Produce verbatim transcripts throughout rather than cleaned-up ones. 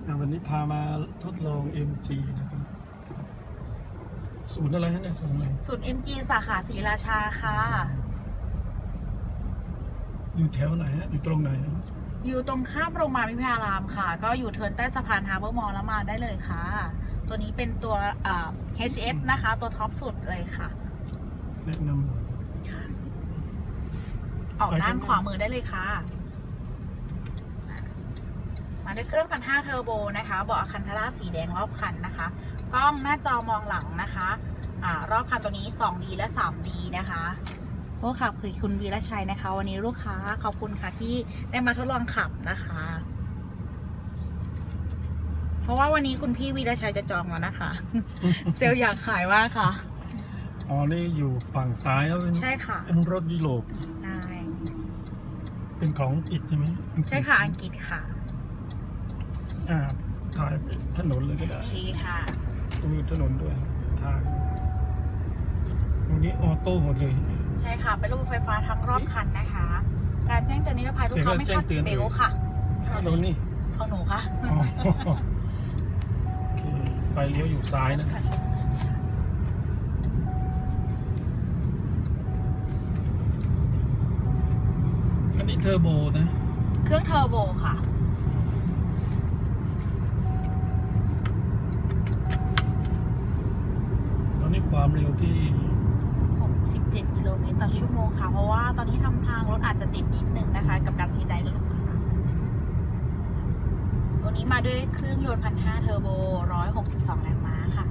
วันนี้พามาทดลอง เอ็ม จี นะครับศูนย์อะไรฮะเนี่ยศูนย์อะไรศูนย์ เอ็ม จี สาขาศรีราชาค่ะอยู่แถวไหนฮะอยู่ตรงไหนอยู่ตรงข้ามโรงพยาบาลวิทยารามค่ะ ก็อยู่เทิร์นใต้สะพานฮาร์เบอร์มอลล์แล้วมาได้เลยค่ะ ตัวนี้เป็นตัวเอ่อ เอช เอฟ นะคะ ตัวท็อปสุดเลยค่ะแนะนออกด้านขวามือได้เลยค่ะ มาด้วยเครื่องพันห้าเทอร์โบนะคะเบาะอะคันธาร่าสีแดงรอบคันนะคะ กล้องหน้าจอมองหลังนะคะอ่ารอบคันตัวนี้ สองดี และ สามดี นะคะโอ้ค่ะคือคุณวีรชัยนะคะ วันนี้ลูกค้าขอบคุณค่ะที่ได้มาทดลองขับนะคะ เพราะว่าวันนี้คุณพี่วีรชัยจะจองแล้วนะคะำเซลล์อยากขายว่าค่ะอ๋อนี่อยู่ฝั่งซ้ายแล้วเป็นใช่ค่ะเป็นรถยุโรปได้เป็นของอังกฤษใช่ไหมใช่ค่ะอังกฤษค่ะอ่าถ่ายถนนเลยก็ได้โอเคค่ะตรงนี้ถนนด้วยทางตรงนี้ออโต้หมดเลยใช่ค่ะเป็นระบบไฟฟ้าทั้งรอบคันนะคะ การแจ้งเตือนนิรภัยลูกค้าไม่คาดเบลค่ะถ้าเรานี่ของหนูค่ะอ๋อโอเคไฟเลี้ยวอยู่ซ้ายนะอันนี้เทอร์โบนะเครื่องเทอร์โบค่ะตอนนี้ความเร็วที่หกสิบเจ็ด กิโลเมตรต่อชั่วโมงค่ะ เพราะว่าตอนนี้ทำทางรถอาจจะติดนิดนึงนะคะ กับการทีไดและลูกค้าตัวนี้มาด้วยเครื่องยนต์พันห้าเทอร์โบหนึ่งร้อยหกสิบสองแรงม้าค่ะ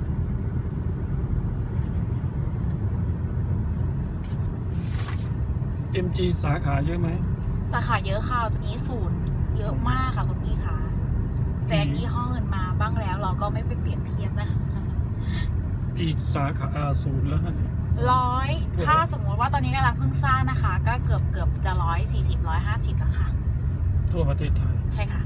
เอ็ม จี สาขาเยอะไหมสาขาเยอะค่ะตัวนี้ศูนย์เยอะมากค่ะคุณพี่คะแซงยี่ห้อเงินมาบ้างแล้วเราก็ไม่ไปเปรียบเทียบนะคะอีกสาขาอ่าศูนย์แล้วฮะร้อยถ้าสมมติว่าตอนนี้กำลังเพิ่งสร้างนะคะ ก็เกือบเกือบจะร้อยสี่สิบร้อยห้าสิบแล้วค่ะทั่วประเทศไทยใช่ค่ะ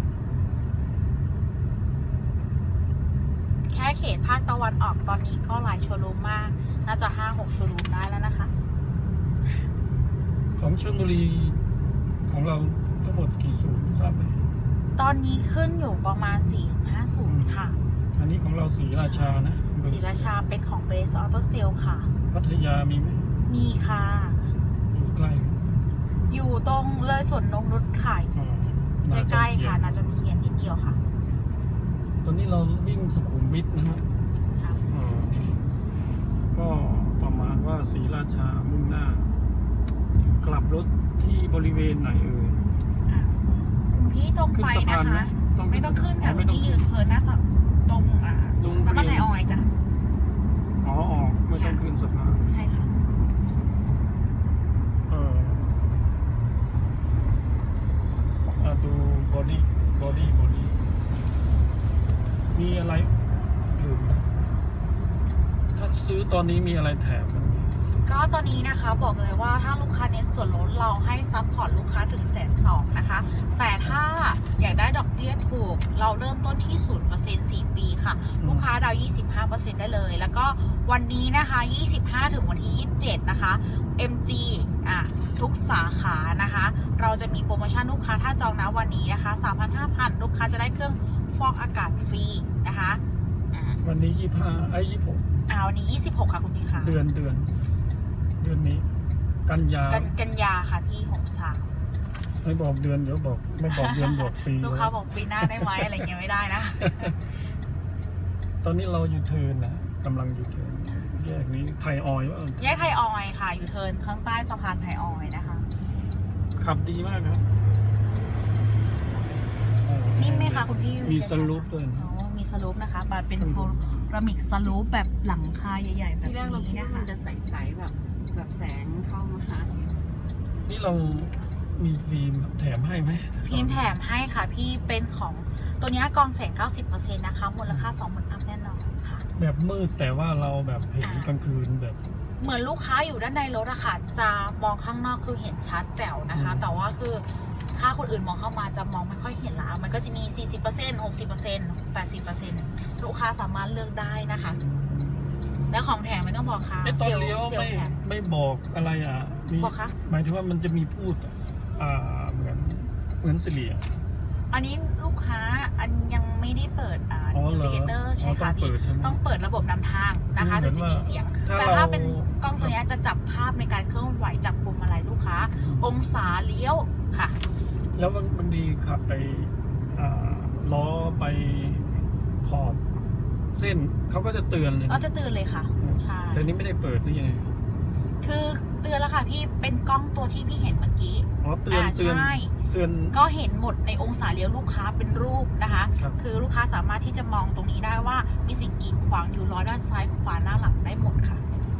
แค่เขตภาคตะวันออกตอนนี้ก็หลายโชว์รูมมาก น่าจะห้าหกโชว์รูมได้แล้วนะคะของชลบุรีของเราทั้งหมดกี่ศูนย์ทราบไหมตอนนี้ขึ้นอยู่ประมาณสี่ถึงห้าศูนย์ค่ะอันนี้ของเราศรีราชานะศรีราชาเป็นของเบสออโตเซลค่ะพัทยามีไหมมีค่ะอยู่ใกล้อยู่ตรงเลยสวนนงนุชขายอ่านาจอมใกล้เทีๆยค่ะนนาจอมเทียนนิดเดียวค่ะตอนนี้เราวิ่งสุขุมวิทนะฮะค่ะอ่าก็ประมาณว่าศรีราชามุ่งหน้า กลับรถที่บริเวณไหนเอ่ยคุณพี่ตรงขึ้นไปสะนะพานไหมคะต้องไม่ต้องขึ้นค่ะไม่คุณต้องพี่ยืนเทิร์นหน้าสะตรงอ่าโรงน้ำมันเรีไอยนออยล์จ้ะอ๋อออกไม่ต้องขึ้นสะพานใช่ค่ะเอออ่ะดูบอดี้บอดี้บอดี้มีอะไรลืมนะถ้าซื้อตอนนี้มีอะไรแถมมันไหมก็ตอนนี้นะคะบอกเลยว่าถ้าลูกค้าเน้นส่วนลดเราให้ซัพพอร์ตลูกค้าถึงแสนสองนะคะ แต่ถ้าอยากได้ดอกเบี้ยถูกเราเริ่มต้นที่ ศูนย์เปอร์เซ็นต์ สี่ ปีค่ะ ลูกค้าดาว ยี่สิบห้าเปอร์เซ็นต์ ได้เลย แล้วก็วันนี้นะคะ ยี่สิบห้า ถึงวันที่ ยี่สิบเจ็ด นะคะ เอ็ม จี อ่ะทุกสาขานะคะ เราจะมีโปรโมชั่นลูกค้าถ้าจองนะวันนี้นะคะ สามพันห้าพัน ลูกค้าจะได้เครื่องฟอกอากาศฟรีนะคะอ่าวันนี้ยี่ห้าไอ้ยี่หกอ่าวันนี้ ยี่สิบหก ค่ะคุณพี่ค่ะเดือนเดือน เดือนนี้ กันยากันกันยาค่ะพี่หกสามไม่บอกเดือนเดี๋ยวบอก ไม่บอกเดือนบอกปีลูกค้าบอกปีหน้าได้ไหมอะไรเงี้ยไม่ได้นะตอนนี้เราอยู่เทิร์นนะกำลังอยู่เทิร์นแยกนี้ไทยออยล์ว่าแยกไทยออยล์ค่ะ อยู่เทิร์นข้างใต้สะพานไทยออยล์นะคะขับดีมากครับอ๋อนิ่มไหมคะคุณพี่มีสลูปด้วยอ๋อมีสลูปนะคะบัตรเป็นโพลามิกสลูปแบบหลังคาใหญ่ๆแบบที่แรกเราคิดนี้ว่านะคะมันจะใสๆแบบแบบแสงเข้ามาค่ะนี่เรามีฟิล์มแถมให้ไหมฟิล์มแถมให้ค่ะพี่เป็นของตัวนี้กรองแสง เก้าสิบเปอร์เซ็นต์ นะคะมูลค่า สองหมื่น อัพแน่นอนค่ะแบบมืดแต่ว่าเราแบบเห็นกลางคืนแบบเหมือนลูกค้าอยู่ด้านในรถอะค่ะจะมองข้างนอกคือเห็นชัดแจ๋วนะคะอืมแต่ว่าคือถ้าคนอื่นมองเข้ามาจะมองไม่ค่อยเห็นละมันก็จะมี สี่สิบเปอร์เซ็นต์ หกสิบเปอร์เซ็นต์ แปดสิบเปอร์เซ็นต์ ลูกค้าสามารถเลือกได้นะคะ แล้วของแถมไม่ต้องบอกค่ะไอ้ตอนเลี้ยวซลไม่แถมไม่บอกอะไรอ่ะมีบอกคะหมายถึงว่ามันจะมีพูดอ่าเหมือนเหมือนสิริอ่ะอันนี้ลูกค้าอันยังไม่ได้เปิดอ่าอ๋ออินเหรอดิเคเตอร์ใช่ค่ะอ๋อต้องพี่เปิดใช่ไหมต้องเปิดระบบนำทางนะคะคือถึงเหมือนจะมีว่าเสียงถ้าแต่เราถ้าเป็นกล้องตัวเนี้ยจะจับภาพในการเคลื่อนไหวจับพวงมาลัยลูกค้า องศาเลี้ยวค่ะแล้วมันมันดีขับไปอ่าล้อไปขอบเส้นเขาก็จะเตือนเลยก็จะเตือนเลยค่ะใช่แต่นี้ไม่ได้เปิดหรือยังไงคือเตือนแล้วค่ะพี่เป็นกล้องตัวที่พี่เห็นเมื่อกี้อ๋อเตือนอ่าเตือนใช่เตือนก็เห็นหมดในองศาเลี้ยวลูกค้าเป็นรูปนะคะครับคือลูกค้าสามารถที่จะมองตรงนี้ได้ว่ามีสิ่งกีดขวางอยู่ล้อด้านซ้ายขวาหน้าหลังได้หมดค่ะ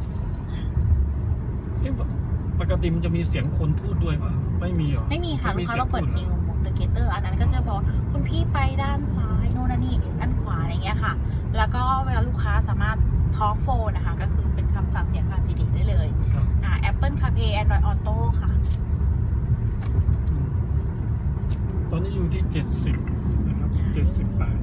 เอ๊ะปกติมันจะมีเสียงคนพูดด้วยป่ะไม่มีเหรอไม่มีค่ะไม่ลูมีกค้าเสียงเราเปิดพูดเหรอนิวมอเตอร์เกเตอร์อันนั้นก็จะบอกคุณพี่ไปด้านซ้ายโน่นนั่นนี่ด้านขวาอะไรเงี้ยค่ะ แล้วก็เวลาลูกค้าสามารถทอล์กโฟนนะคะ ก็คือเป็นคำสั่งเสียงผ่านซีดีได้เลยครับอ่า Apple CarPlay Android Auto ค่ะอืมตอนนี้อยู่ที่เจ็ดสิบนะครับเจ็ดสิบแปด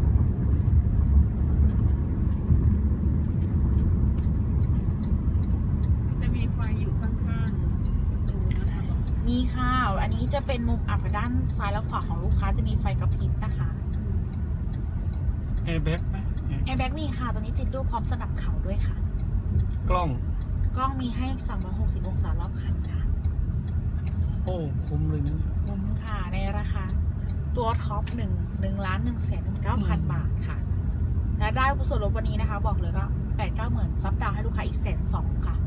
จะมีไฟอยู่ข้างๆประตูนะคะบอกมีค่ะอันนี้จะเป็นมุมอับด้านซ้ายและขวาของลูกค้าจะมีไฟกระพริบนะคะแอร์แบ็กไหมแอร์แบ็กมีค่ะ ตัวนี้จิตดูพร้อมสนับเข่าด้วยค่ะกล้องกล้องมีให้สามร้อยหกสิบองศารอบคันค่ะโอ้คุ้มเลยนะคุ้มค่ะในราคาตัวท็อปหนึ่งหนึ่งล้านหนึ่งแสนเก้าพันบาทค่ะ และได้ส่วนลดวันนี้นะคะ บอกเลยก็แปดเก้าหมื่นซับดาวให้ลูกค้าอีกแสนสองค่ะ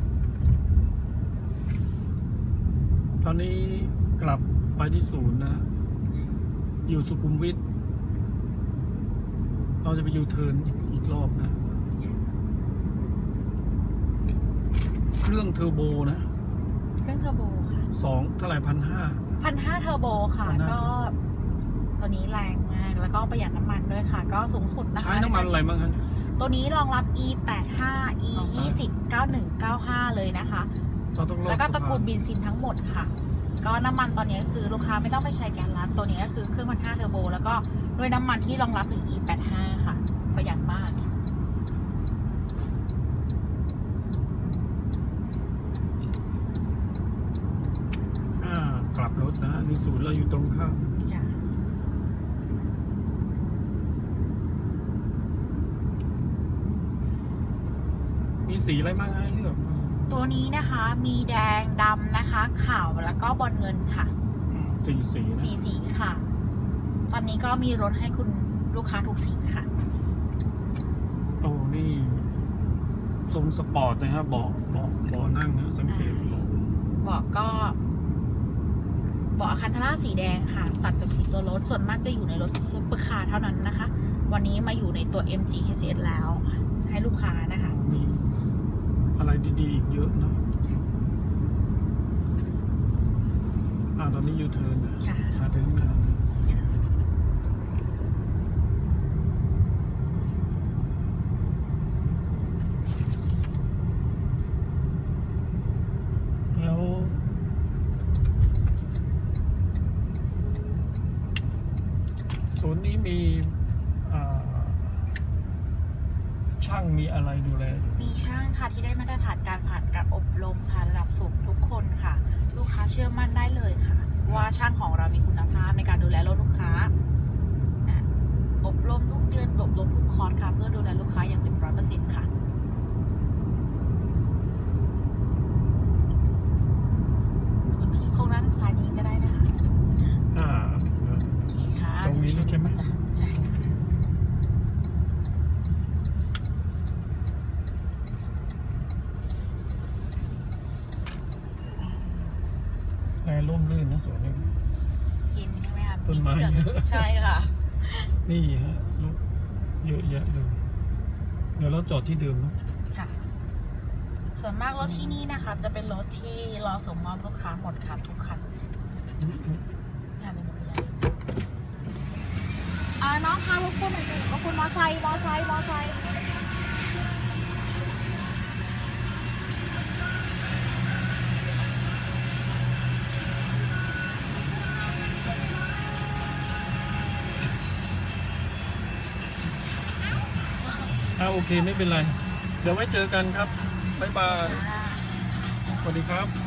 ตอนนี้กลับไปที่ศูนย์นะ อยู่สุขุมวิทเราจะไปยูเทิร์นอีกอีกรอบนะ เครื่องเทอร์โบนะเครื่องเทอร์โบค่ะสองเท่าไหร่พันห้าพันห้าเทอร์โบค่ะพันห้าก็ตัวนี้แรงมาก แล้วก็ประหยัดน้ำมันด้วยค่ะ ก็สูงสุดนะคะใช้น้ำมันอะไรบ้างครับตัวนี้รองรับ อี แปดห้า อี ยี่สิบ เก้าหนึ่ง เก้าห้า เลยนะคะเราต้องรอดแล้วก็ตระกูลสะพานเบนซินทั้งหมดค่ะ ก็น้ำมันตอนนี้ก็คือลูกค้าไม่ต้องไปใช้แก๊สล้านตัวนี้ก็คือเครื่องพันห้าเทอร์โบ แล้วก็ด้วยน้ำมันที่รองรับถึง อี แปดห้า ค่ะ ประหยัดมากอ่ากลับรถนะนี่ศูนย์เราอยู่ตรงข้ามค่ะมีสีอะไรบ้างให้เลือกตัวนี้นะคะมีแดงดำนะคะขาวแล้วก็บอลเงินค่ะอืมสีสีนะสีสีค่ะ ตอนนี้ก็มีรถให้คุณลูกค้าทุกสีค่ะโอ้นี่ทรงสปอร์ตนะฮะเบาะเบาะเบาะนั่งนะสังเกตเบาะเบาะก็เบาะคันธาร่าสีแดงค่ะ ตัดกับสีตัวรถส่วนมากจะอยู่ในรถซุปเปอร์คาร์เท่านั้นนะคะ วันนี้มาอยู่ในตัว เอ็ม จี เอช เอส แล้ว ให้ลูกค้านะคะมีอะไรดีๆอีกเยอะนะอ่าตอนนี้ยูเทิร์นนะค่ะมาถึงนะแล้วศูนย์นี้มีอ่าช่างมีอะไรดูแลอยู่มีช่างค่ะที่ได้มาตรฐานการผ่านการอบรมค่ะระดับสูงทุกคนค่ะ ลูกค้าเชื่อมั่นได้เลยค่ะ ว่าช่างของเรามีคุณภาพในการดูแลรถลูกค้าอ่ะอบรมทุกเดือนอบรมทุกคอร์สค่ะเพื่อดูแลลูกค้าอย่างเต็มร้อยเปอร์เซ็นต์ค่ะคุณพี่โค้งด้านซ้ายนี้ก็ได้นะคะอ่าโอเคค่ะตรงนี้ใช่ไหมใช่ค่ะแอร์ร่มรื่นนะสวนนี้เย็นใช่ไหมคะต้นไม้ที่จอดใช่ค่ะนี่ฮะรถเยอะแยะเลย เดี๋ยวเราจอดที่เดิมเนอะค่ะ ส่วนมากรถที่นี่นะคะจะเป็นรถที่รอส่งมอบลูกค้าหมดค่ะทุกคันงานในหมดเลยอ่าน้องคะรบกวนหน่อยรบกวนมอไซค์มอไซค์มอไซค์อ่าโอเคไม่เป็นไร เดี๋ยวไว้เจอกันครับ บ๊ายบาย สวัสดีครับ